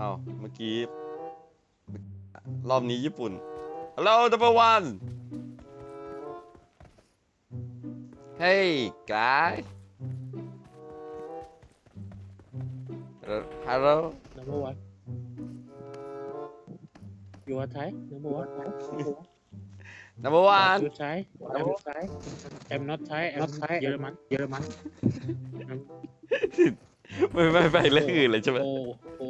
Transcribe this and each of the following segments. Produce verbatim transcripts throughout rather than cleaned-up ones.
อ้าวเมื่อกี้รอบนี้ญี่ปุ่น Hello number one Hey guy Hello number one you are Thai number one number one you Thai I'm Thai I'm not Thai I'm Thai เยอรมันเยอรมันไม่ไม่ไปเรื่องอื่นเลยใช่ไหมโอ้โอ้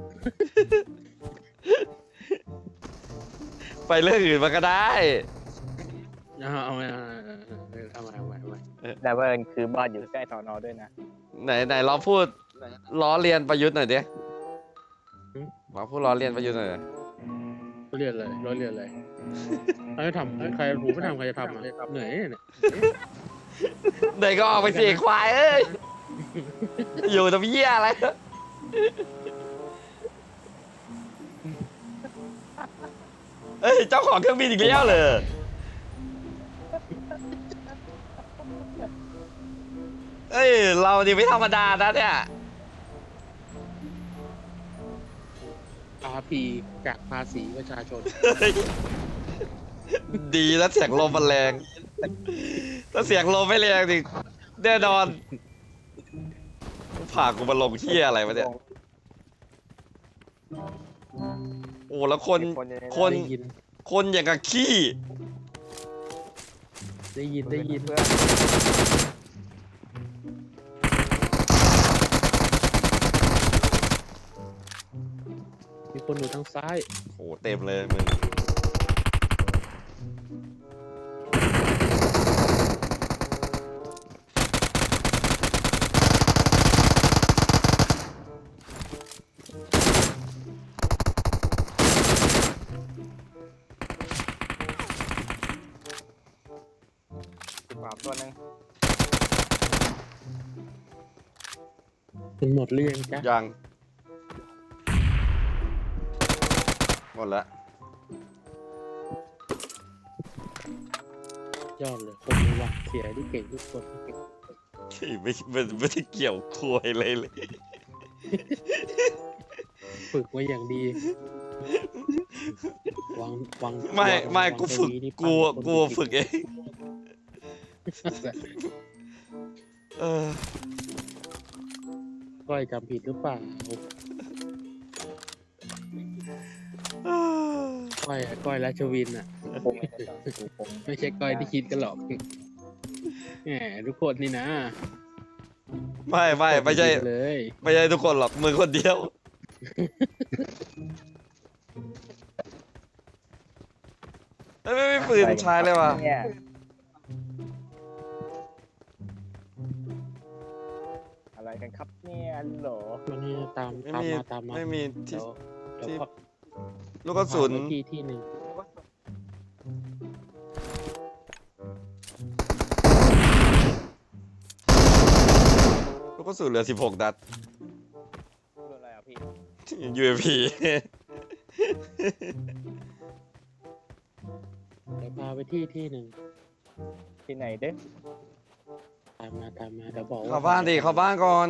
ไปเรื่องอื่นมาก็ได้เอาเอาเอาเอาเอาเอาเอาเอาแต่ว่าเอิญคือบ้านอยู่ใกล้สอนอด้วยนะไหนไหนลองพูดล้อเลียนประยุทธ์หน่อยดิลองพูดล้อเลียนประยุทธ์หน่อยดิเขาเรียนอะไรร้อยเรียนอะไรใครทำใครหูไม่ทำใครจะทำอ่ะเหนื่อยเนี่ยไหนก็ออกไปสิควายเอ้ยอยู่ทำเหี้ยอะไรเอ้ยเจ้าของเครื่องบินอีกแล้วเลยเอ้ยเราดีไม่ธรรมดานะเนี่ยอาร์พีจากภาษีประชาชนดีแล้วเสียงลมมันแรงถ้าเสียงลมไม่แรงดิแน่นอนผ่ากูมาลงเหี้ยอะไรวะเนี่ยโอ้แล้วคนคนได้ยินคนอย่างกับขี้ได้ยินได้ยินเพื่อนมีคนอยู่ทางซ้ายโอ้เต็มเลยมึงสิบสามตัวหนึ่งเป็นหมดหรือยังจ๊ะยังหมดละยอดเลยคนระวังเสียที่เก่งทุกคนไม่ไม่ไม่ได้เกี่ยวคุยเลยเลยฝึกไว้อย่างดีวางวางไม่วางไม่วางกูฝึกตัวนี้นี่กูปั้นคนกูผิดฝึกเอง เออก้อยจำผิดหรือเปล่าก้อยก้อยราชวินอ่ะผมไม่ได้ต้องผมไม่ใช่ก้อยที่คิดกันหรอกแหมทุกคนนี่นะไม่ไม่ไม่ใช่เลยไม่ใช่ทุกคนหรอกมึงคนเดียวเอ้ยไม่ไม่ปืนใช้เลยว่ะเนี่ยอะไรกันครับเนี่ยฮัลโหลมันนี่ตามไม่ตามมีมาตามมาไม่มีที่เดี๋ยวเดี๋ยวที่พาลูกกระสุนพาไปที่ที่หนึ่งลูกกระสุนเหลือสิบหกนัดคืออะไรอ่ะพี่ยู เอ พีเดี๋ยวพาไปที่ที่หนึ่งที่ไหนเด้อตามมาตามมาเดี๋ยวบอกว่าเข้าบ้านดิเข้าบ้านก่อน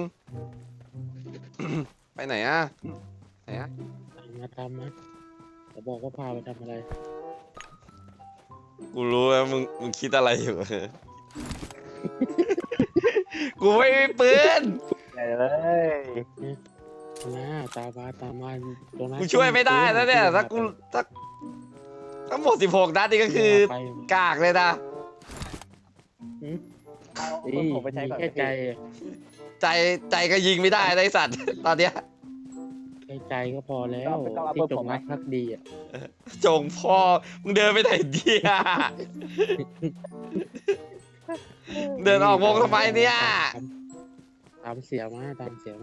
ไปไหนอ่ะไหนอ่ะตามมาตามมาเดี๋ยวบอกว่าพาไปทำอะไรกูรู้แล้วมึงมึงคิดอะไรอยู่ กูไม่มีปืนไหนเลยนะตามมาตามมาตรงนั้นกูช่วยไม่ได้นะเนี่ยถ้ากูถ้าทั้งหมดสิบหกนัดนี่ก็คือไปกากเลยนะเอานี่ผมไปใช้มีก่อนแค่ใจใจใจก็ยิงไม่ได้นะไอ้สัตว์ ตอนเนี้ยแค่ใจก็พอแล้วที่จงรักภักดีอ่ะจงพ่อมึงเดินไปไหนเดีย เดินออกวงทำไมเนี่ยตามเสียมาตามเสียมา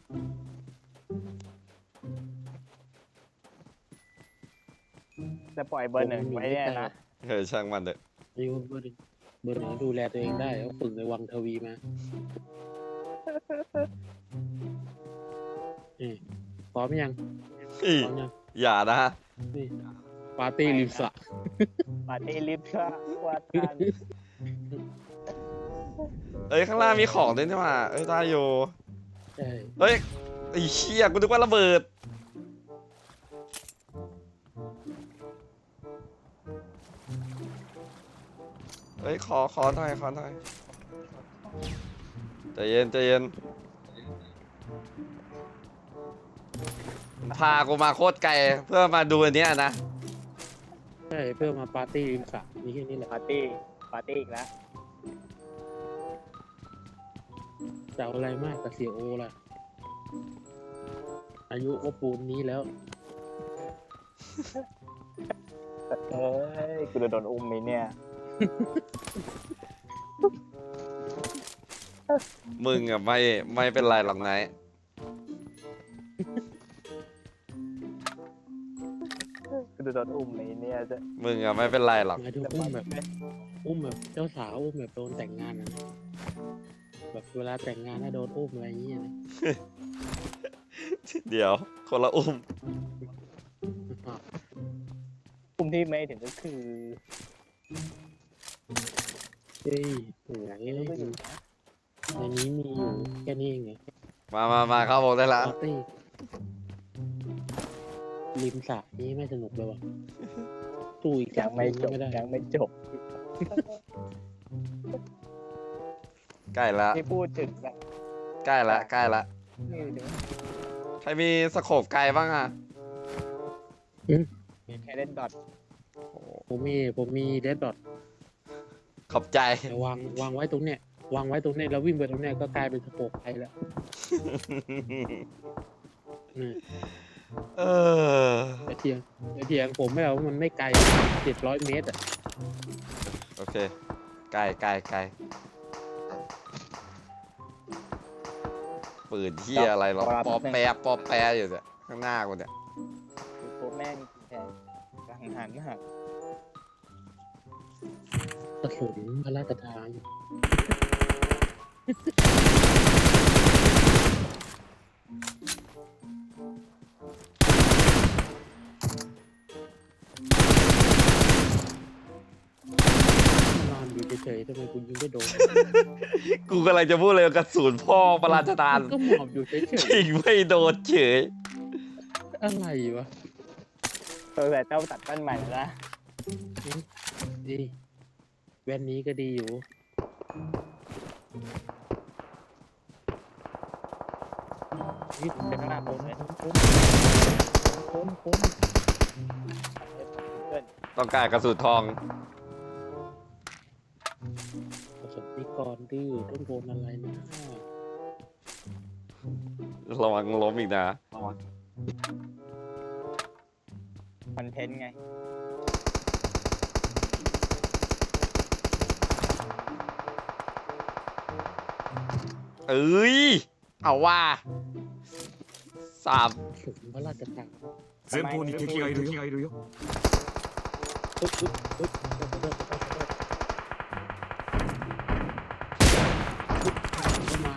จะปล่อยเบอร์หนึ่งไว้เนี่ยนะเออช่างมันเถอะอายุเบอร์หนึ่งเบอร์หนึ่งดูแลตัวเองได้เขาฝึกในวังทวีมานี่พร้อมยังอีพร้อมยังอย่านะนี่ปาร์ตี้ริมสระปาร์ตี้ลิฟต์ก็ว่ากันเอ้ยข้างล่างมีของด้วยนี่หว่าเอ้ยได้อยู่ใช่เฮ้ยไอ้เชี่ยกูนึกว่าระเบิดเฮ้ยขอขอหน่อยขอหน่อยใจเย็นใจเย็นพากูมาโคตรไกลเพื่อมาดูอันเนี้ยนะใช่เพื่อมาปาร์ตี้ริมสระมีแค่นี้แหละปาร์ตี้ปาร์ตี้อีกแล้วจะเอาอะไรมากกับเสียโอล่ะอายุโอปูนนี้แล้วเอ้ยกูจะโดนอุ้มไหมเนี่ยมึงอะไม่ไม่เป็นไรหรอกนายกูจะโดนอุ้มไหมเนี่ยจะมึงอะไม่เป็นไรหรอกหมายถึงอุ้มแบบอุ้มแบบเจ้าสาวอุ้มแบบโดนแต่งงานนะแบบเวลาแต่งงานถ้าโดนอุ้มอะไรอย่างเงี้ยนะเดี๋ยวคนละอุ้มอุ้มที่ไม่ถึงก็คือเฮ้ยโอ้ยรู้ก็อยู่นะในนี้มีอยู่แค่นี้เองไงมามามาเข้าวงได้ละปาร์ตี้ริมสระนี้ไม่สนุกเลยวะตู้อีกยังไม่จบไม่ได้ยังไม่จบใกล้ละที่พูดถึงนะใกล้ละใกล้ละนี่ถึงใครมีสโคปไกลบ้างอะมีแค่เล่นดอทโอ้ผมมีผมมีเดดดอทขอบใจแต่วางวางไว้ตรงเนี้ยวางไว้ตรงเนี้ยแล้ววิ่งไปตรงเนี้ยก็กลายเป็นสโปกไปแล้วอืมเออแต่เทียงแต่เทียงผมไม่เอามันไม่ไกลเจ็ดร้อยเมตรอ่ะโอเคใกล้ใกล้ใกล้ปืนที่อะไรหรอปอแปรปอแปรอยู่เนี่ยข้างหน้ากูเนี่ยคือตัวแม่งแทนกลางหันหันกระสุนพระราชทานนอนอยู่เฉยๆทำไมคุณยิงไม่โดนกูกำลังจะพูดเลยว่ากระสุนพ่อประราชทานก็หมอบอยู่เฉยยิงไม่โดนเฉยๆอะไรวะตัวแต่เจ้าตัดต้นใหม่แล้วนะดีแว่นนี้ก็ดีอยู่นี่เป็นข้างหน้าผมเลยโค้งโค้งเพื่อนต้องการกระสุนทองประสบนิกรดื้อต้องโดนอะไรนะระวังล้มอีกนะคอนเทนต์ไงเอ้ยเอาว่าสามถึงพระราชทาน前方に敵がいるよ。 ปึ๊บปึ๊บปึ๊บเริ่มเริ่มเริ่มเริ่มเข้ามา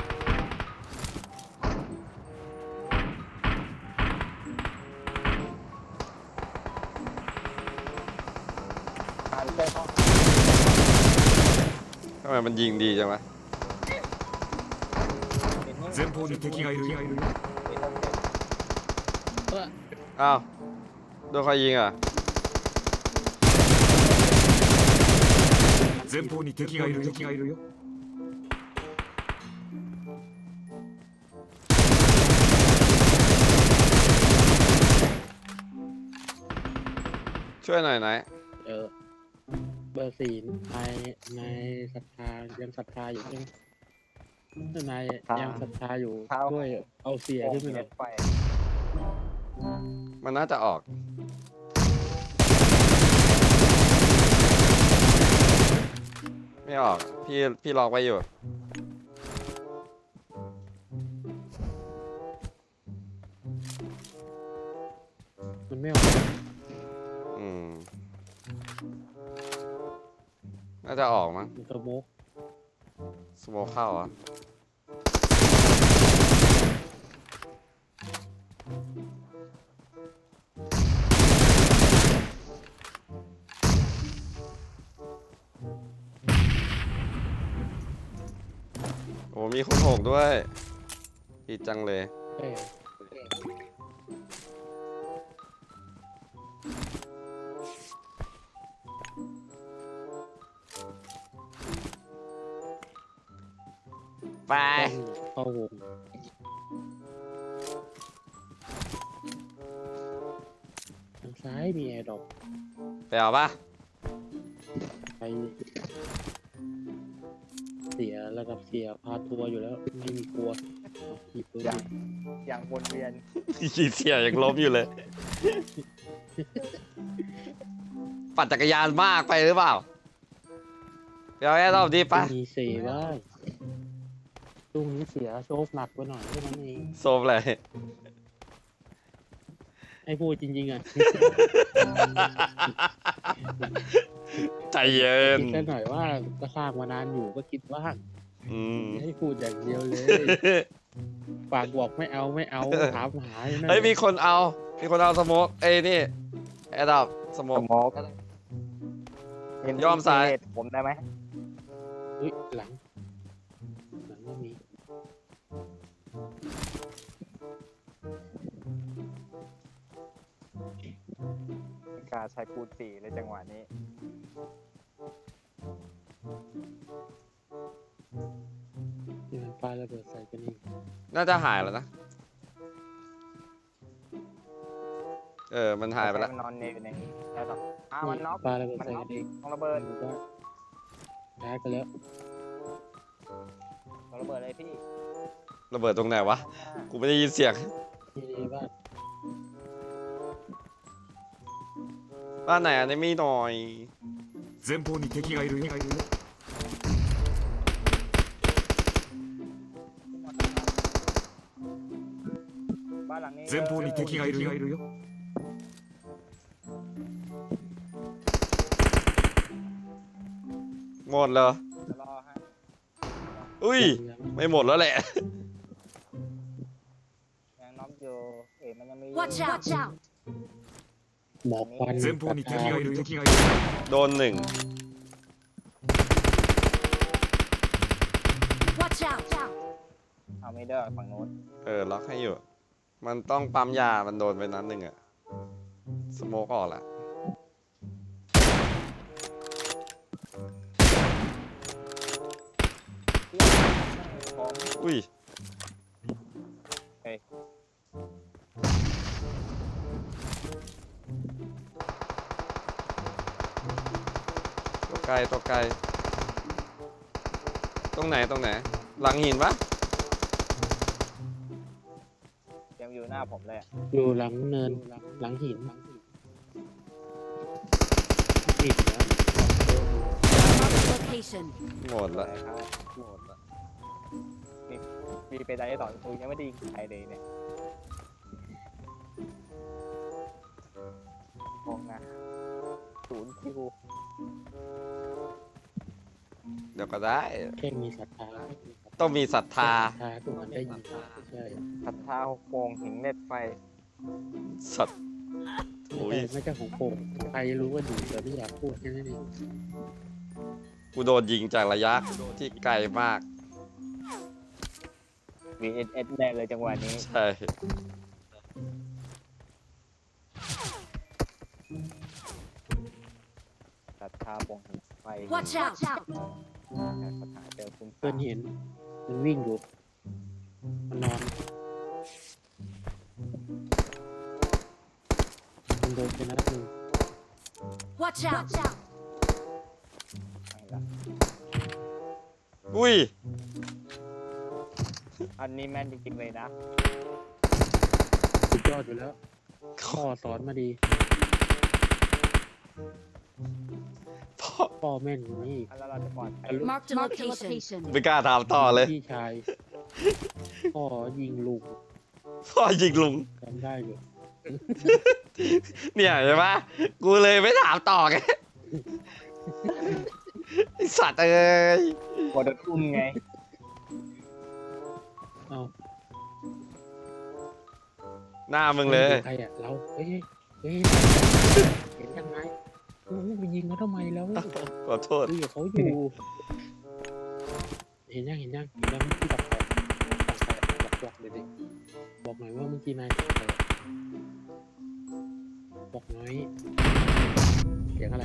มาเพื่อนห้องทำไมมันยิงดีจังวะเห็นนี่前方に敵がいるよ。 เห็นนี่เอออ้าวโดนใครยิงอ่ะ前方に敵がいるよ。 ช่วยหน่อยไหนอยเออเบอร์สี่นายนายศรัทธายังศรัทธาอยู่ใช่ไหมถ้านายยังศรัทธาอยู่ช่วยเอาเสียขึ้นไปหน่อยไฟมันน่าจะออก ไม่ออก พี่พี่ล็อกไว้อยู่มันไม่ออกอืม น่าจะออกมั้งมันสโมกสโมคเข้าเหรอ่ะ โอ้มีคนโหกด้วยดีจังเลยเออไปเข้าวงทางซ้ายมีแอร์ดรอปไปเอาปะไปเสียระดับเสียพาทัวร์อยู่แล้วไม่มีกลัวเอาหยิบปืนอย่างอย่างวนเวียนขี่เสียยังล้มอยู่เลย ปั่นจักรยานมากไปหรือเปล่าไปเอาแอร์ดรอปดีปะมีเสียบ้างช่วงนี้เสียโชคหนักไปหน่อยแค่นั้นเองโซมเลยให้พูดจริงๆอ่ะใจเย็นคิดแค่หน่อยว่าก็สร้างมานานอยู่ก็คิดว่างอืมให้พูดอย่างเดียวเลยฝากบอกไม่เอาไม่เอาถามหาอยู่นั่นเฮ้ยมีคนเอา มีคนเอาสโมกเอ้ยนี่แอร์ดรอปสโมสกโมกเห็นยอมสายเห็นผมได้ไหมอุ้ยหลังหลังก็มีไม่กล้าใช้คูณสี่เลยจังหวะนี้นี่มันปลาระเบิดใส่กันเองน่าจะหายแล้วนะ เออ มันหายไปแล้วมันนอนอยู่ในแล้วต่ออ้าวมันน็อกปลาระเบิดมันใส่น็อกักนเองต้องระเบิดมันก็แพ้กันแล้วต้องระเบิดเลยพี่ระเบิดตรงไหนวะ กูไม่ได้ยินเสียงที่บ้านบ้านไหนอันนี้มีหน่อย前方に敵がいるよบ้านหลังนี้前方に敵がいるよหมดเหรอจะรอฮะอุ้ย ไม่หมดแล้วแหละยังน็อกอยู่เอ๋มันยังมี Watch out! Watch out! หมอกควัน前方に敵がいる敵がいるโดนหนึ่ง Watch out! เอาไม่ได้ฝั่งโน้นเออ ล็อกให้อยู่ มันต้องปั๊มยา มันโดนไปนัดหนึ่งอะสโมกออกละพร้อมอุ้ยเฮ้ยตัวไกลตัวไกล ตรงไหนตรงไหน หลังหินปะยังอยู่หน้าผมเลยอะอยู่หลังเนินหลังหินหินนะ Marked location. หมดละอะไรครับหมดละมีมีไปได้ต่อกูยังไม่ได้ยิงใครเลยเนี่ยมองนะศูนย์คิวเดี๋ยวก็ได้แค่มีศรัทธาต้องมีศรัทธาศรัทธาทุกคนได้ยินใช่ศรัทธาหกโมงหิงเน็ตไฟสัตว์ไม่อุ้ยใช่ไม่ใช่ของผมใครรู้ว่าดูแต่ไม่อยากพูดแค่นั้นเองกูโดนยิงจากระยะที่ไกลมากวีเอสเอสแน่เลยจังหวะนี้ใช่ศรัทธาปงหิงไฟ Watch out! ศรัทธาเจอคุณเพื่อนเห็นมันวิ่งอยู่มันนอนมันโดนไปนัดหนึ่ง Watch out! ไม่ละอุ้ยอันนี้แม่นจริงๆเลยนะสุดยอดอยู่แล้วพ่อสอนมาดีพ่อพ่อแม่นอยู่นี่อันแล้วเราจะปลอดภัย Marked a location. ไม่กล้าถามต่อเลยพี่ชายพ่อยิงลุงพ่อยิงลุงจำได้อยู่เนี่ยใช่ปะกูเลยไม่ถามต่อไง ไอสัตว์เอ้ยกดอุ้มไงเอาหน้ามึงเลยใครอ่ะเราเฮ้ยเฮ้ยเห็นยังไงโอ้ไปยิงเขาทำไมแล้วขอโทษดูอยู่เขาอยู่ เห็นยังเห็นยังเห็นยังที่ดับไฟดับไฟบอกบอกเลยดิบอกหน่อยว่าเมื่อกี้นายดับไฟบอกหน่อยเสียงอะไร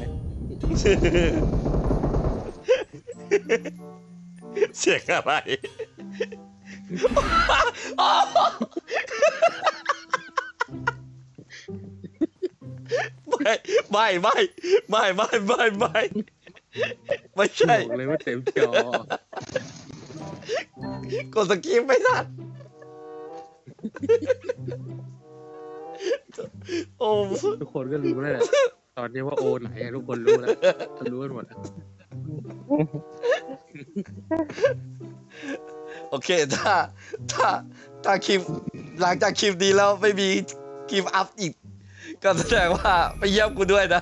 เสียงอะไรไม่ไม่ไม่ไม่ไม่ไม่ไม่ไม่ใช่บอกเลยว่าเต็มจอกดสกิปไม่ทันโอ้ทุกคนก็รู้แล้วแหละตอนนี้ว่าโอไหนอะทุกคนรู้แล้วรู้กันหมดอะโอเคถ้าถ้าถ้าคลิปหลังจากคลิปนี้แล้วไม่มีคลิปอัพอีก ก็แสดงว่าไปเยี่ยมกูด้วยนะ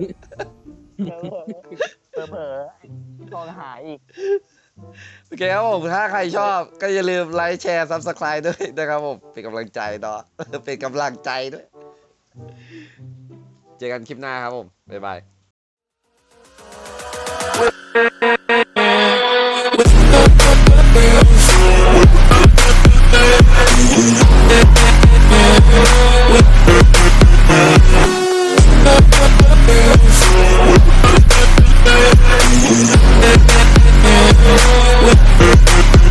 เผลอเผลอลองหาอีกโอเคครับผมถ้าใครชอบก็อย่าลืมไลค์แชร์ซับสไคร b e ด้วยนะครับผมเป็นกำลังใจเนาะ เป็นกำลังใจด้วย เจอกันคลิปหน้าครับผม บ๊ายบาย